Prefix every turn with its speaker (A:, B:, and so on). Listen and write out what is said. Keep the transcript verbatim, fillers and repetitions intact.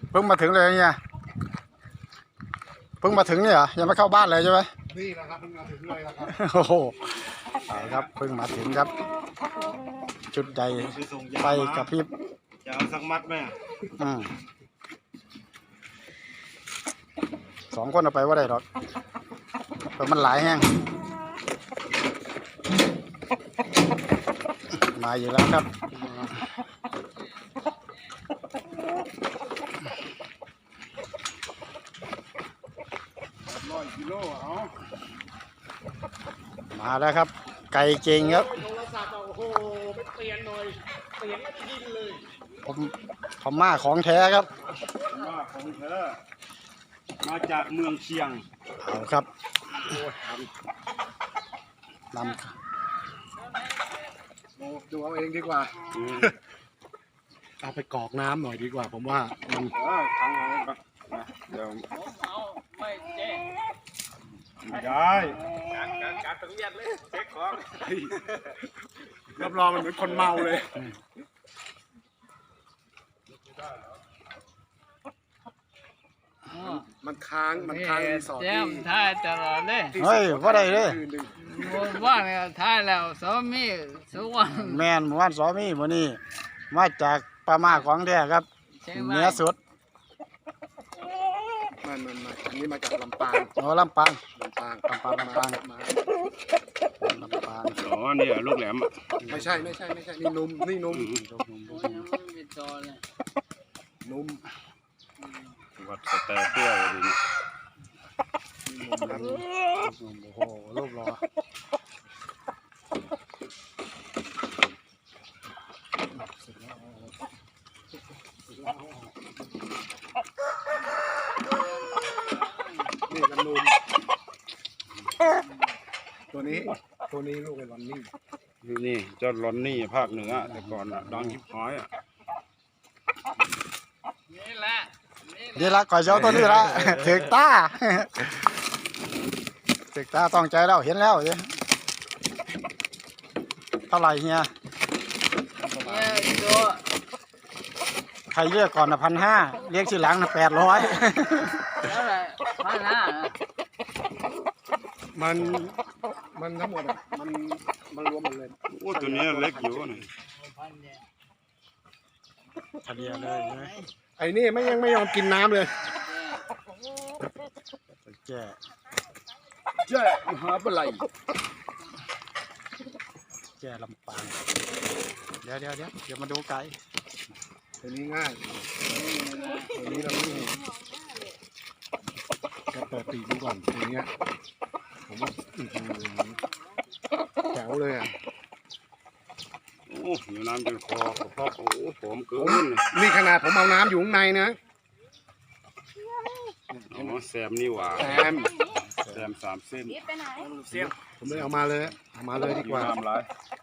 A: เพิ่งมาถึงเลยเนี่ยเพิ่งมาถึงเนี่ยเหรอยังไม่เข้าบ้านเลยใช่ไหม
B: นี่นะครับเพิ่งมาถึงเลยนะครับ
A: โอ้โหเอาครับเพิ่งมาถึงครับจุดใหญ่ไฟกระพริบ
C: จะเอาสักมัดไหม
A: อืมสองคนเอาไปว่าได้หรอกเพราะมันหลายแห้งมาอยู่แล้วครับ
C: ร้อยกิโลเอา
A: มาแล้วครับไก่เก่งครับ
B: โทรศัพท์โอ้โหไปเปลี่ยนหน่อยเปลี่ยนไม่ได้ยินเลย
A: ผมพม่าของแท้ครับ
C: ว่าของเธอมาจากเมืองเชียง
A: เอาครับนำ
B: โอ้ดูเอาเองดีกว่าเอาไปกรอกน้ำหน่อยดีกว่าผมว่ามัน
C: เออทางอะไรปะเดี๋ยวไม่เจ๊ไม่ได้การการการตึงเย็นเลยเช็คของ
B: รับรองมันเหมือนคนเมาเลยมันค้างมันค้างสอดที่
D: ท่ายตลอดเลย
A: เฮ้ยว่าได้เลย
D: ว่าเนี่ยท่ายแล้วสามีสุวรรณ
A: แมนหมู่บ้านสอมีวันนี้มาจากปามาของแท้ครับเนื้อสด
B: มันมันมาอันนี้มาจากลำปาง
A: โอ้ลำปาง
B: ลำปาง
A: ลำปางลำปาง
B: มา
A: ลำปาง
C: อ๋อนี่ลูกแหลม
B: ไม่ใช่ไม่ใช่ไม่ใช่นี่นุ่มนี่นุ่มนุ่ม
C: วัดสเตอร์เตี้ยเลยนี่
A: โอ้โหรูปรอ
B: นี่กันนุ่มตัวนี้ตัวนี้ลูกไอ้ลอนนี่
C: นี่นี่เจ้าลอนนี่ภาคเหนือแต่ก่อนอ่ะดังฮิปฮอยอ่ะ
D: นี่แหละ
A: นี่ละก่อยเจ้าตัวนี้ละถึกตาถึกตาต้องใจแล้วเห็นแล้วเท่าไหร่เฮียใครเรียกก่อนนะพันห้าเรียกทีหลังนะแปดร้อย
D: แล้วอะไรพันห้า
B: มันมันทั้งหมดอ่ะมันมันรวมหมดเลย
C: โอ้ตัวนี้เล็กอยู่นี่
A: ทะเลเลย
B: ไอ้นี่ไม่ยังไม่ยอมกินน้ำเลย
A: แจ้
B: แจ้มหาปลาไหล
A: แจ้ลำปางเดี๋ยวเดี๋ยวเดี๋ยวเดี๋ยวมาดูไก่
B: ตัวนี้ง่ายตัวนี้เราไม่จะเปิดปีกดูก่อนตัวนี้ผมว่าแจ๋วเลยอ่ะ
C: โอ้อยู่น้ำจนคอเพราะโอ้ผมเกิน
B: นี่ขนาดผมเอาน้ำอยู่ข้างในนะ
C: อ๋อแซมนี่หว่า
B: แซม
C: แซมสามเส้น
B: ผมเลยเอามาเลยเอามาเลยดีกว่า
C: ทำไร